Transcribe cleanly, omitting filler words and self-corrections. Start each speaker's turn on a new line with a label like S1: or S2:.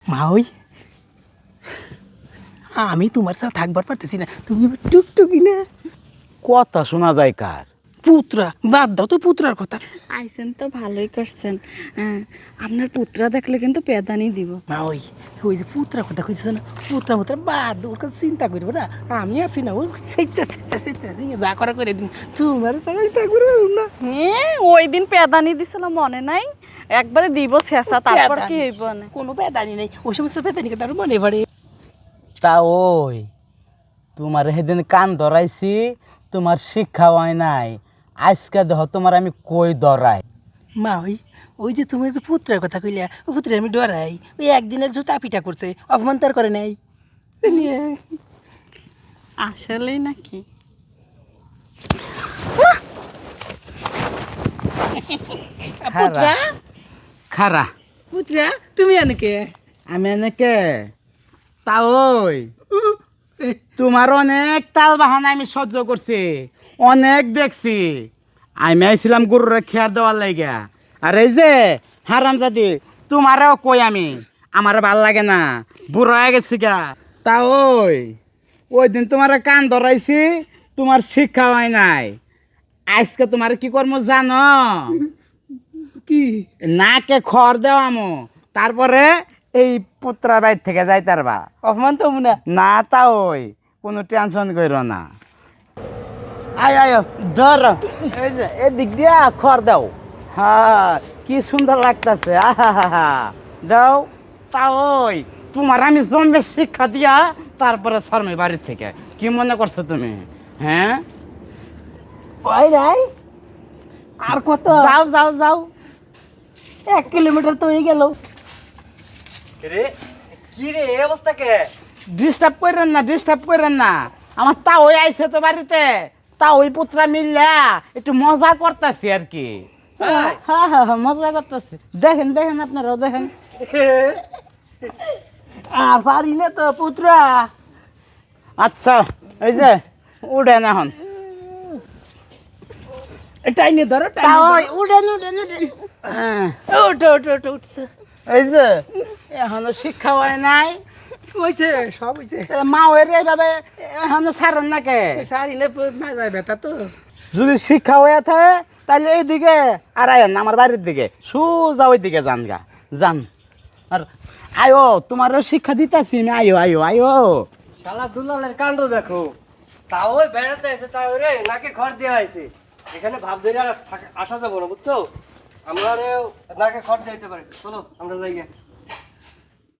S1: মা ওই আমি তোমার সাথে থাকবার পারতেছি না, তুমি টুকটুকি না।
S2: কথা শোনা যায় কার?
S1: পুত্রা বাদ দাও তো পুত্রার কথা।
S3: আইসেন তো ভালোই করছেন। হ্যাঁ, আপনার পুত্রা দেখলে কিন্তু পেদানি দিব।
S1: মা ওই ওই যে পুত্রার কথা কইতেছে না, পুত্রা মুত্রা বাদ দাও, ওর কথা চিন্তা করবো না, আমি আছি না, ওর যা করা করে দিন, তোমার সবাই থাকবো না।
S3: হ্যাঁ, ওই দিন পেদানি দিছিলাম মনে নাই? একবারে দিব শেষা, তারপর কি হইব না?
S1: কোনো পেদানি নেই, ওই সমস্ত পেদানি কথা আর মনে পড়ে।
S2: তা ওই তোমার সেদিন কান ধরাইছি, তোমার শিক্ষা হয় নাই, আজকে দেহ তোমার আমি কই ধরাই।
S1: মা ওই ওই যে তুমি যে পুত্রের কথা কইলা, ও পুত্রের আমি ডরাই, ওই একদিনের জুতা পিটা করছে, অপমান তার করে নাই।
S3: আসলেই নাকি?
S1: পুত্রা
S2: খারা
S1: পুত্রা তুমি এনেকে
S2: আমি এনেকে তা ওই তোমার অনেক তাল বাহানা আমি সহ্য করছি, অনেক দেখছি। আমি আইছিলাম গরুরে খেয়ার দেওয়ার লাগিয়া, আর এই যে হারামজাদি তোমারও কই আমি, আমার ভাল লাগে না, বুড়ো হয়ে গেছি গা। তা ওই দিন তোমার কান ধরাইছি, তোমার শিক্ষা হয় নাই, আজকে তোমার কি করবো জানো?
S1: কি
S2: নাকে খড় দেওয়ামো, তারপরে এই পুত্রা বাইর থেকে যাইতারবা।
S1: অপমান তো না।
S2: না তা ওই কোনো টেনশন করো না। আয় আয় ধর, এই যে এদিক দিয়া খড় দাও। হ্যাঁ কি সুন্দর লাগতেছে, আহা দাও। তা ওই তোমার আমি জন্মের শিক্ষা দিয়া তারপরে শর্মে বাড়ির থেকে, কি মনে করছো তুমি? হ্যাঁ
S1: ওই নাই আর কত?
S2: যাও যাও যাও।
S1: 1 কিলোমিটার তো হয়ে গেল।
S4: রে কি রে এই অবস্থা কে?
S2: ডিস্টার্ব করেন না, ডিস্টার্ব করেন না, আমার তা ওই আইছে তো বাড়িতে, তা ওই পুত্রা মিললা একটু মজা করতেছি আর কি। হ্যাঁ হ্যাঁ হ্যাঁ মজা করতেছি, দেখেন দেখেন আপনারাও দেখেন।
S1: আর পারি না তো পুত্রা।
S2: আচ্ছা এই যে উঠেন এখন।
S1: এটাই নিয়ে ধরো,
S2: তা ওই উঠেন উঠেন উঠেন। হ্যাঁ,
S1: ওঠো ওঠো ওঠো উঠছে।
S2: এই যে এখনো শিক্ষা হয় নাই,
S1: হয়েছে সব হয়েছে।
S2: মা ওই রে এইভাবে এখনো ছাড়েন না কে?
S1: সারি না মাজায় ব্যথা তো।
S2: যদি শিক্ষা হয়ে থাকে তাহলে এইদিকে আর আয়েন না, আমার বাড়ির দিকে সোজা ওই দিকে যান গা, যান। আর আয়ো তোমারও শিক্ষা দিতেছি আমি, আয়ো আয়ো আয়ো।
S4: শালা দুলালের কাণ্ড দেখো, তাও ওই বেড়াতে এসে তাও রে নাকে খড় দেওয়া হয়েছে, এখানে ভাব ধরে আর আসা যাবো না বুঝছো, আমরা নাকে খড় দিতে পারি, চলো আমরা যাই গিয়ে।